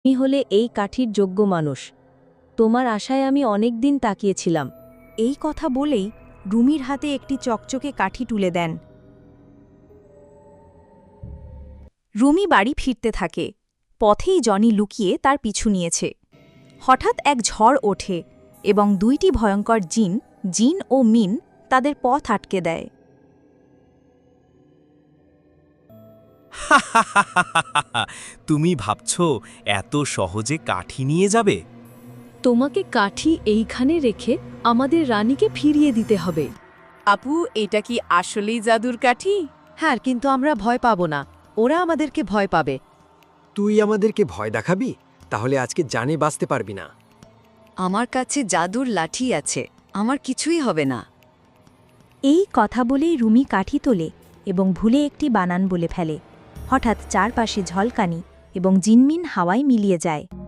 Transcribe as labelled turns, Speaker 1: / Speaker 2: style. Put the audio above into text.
Speaker 1: তুমি হলে এই কাঠির যোগ্য মানুষ। তোমার আশায় আমি অনেক দিন তাকিয়েছিলাম।
Speaker 2: এই কথা বলেই রুমির হাতে একটি চকচকে কাঠি তুলে দেন। রুমি বাড়ি ফিরতে থাকে। পথেই জনি লুকিয়ে তার পিছু নিয়েছে। হঠাৎ এক ঝড় ওঠে এবং দুইটি ভয়ঙ্কর জিন ও মিন তাদের পথ আটকে দেয়।
Speaker 3: তুমি ভাবছ এত সহজে কাঠি নিয়ে যাবে?
Speaker 1: তোমাকে কাঠি এইখানে রেখে আমাদের রানীকে ফিরিয়ে দিতে হবে।
Speaker 4: আপু, এটা কি আসলেই জাদুর কাঠি?
Speaker 5: হ্যাঁ, কিন্তু আমরা ভয় পাব না, ওরা আমাদেরকে ভয় পাবে।
Speaker 6: তুই আমাদেরকে ভয় দেখাবি? তাহলে আজকে জানে বাঁচতে পারবি না।
Speaker 5: আমার কাছে জাদুর লাঠি আছে, আমার কিছুই হবে না।
Speaker 2: এই কথা বলেই রুমি কাঠি তোলে এবং ভুলে একটি বানান বলে ফেলে। হঠাৎ চারপাশে ঝলকানি এবং জিনমিন হাওয়ায় মিলিয়ে যায়।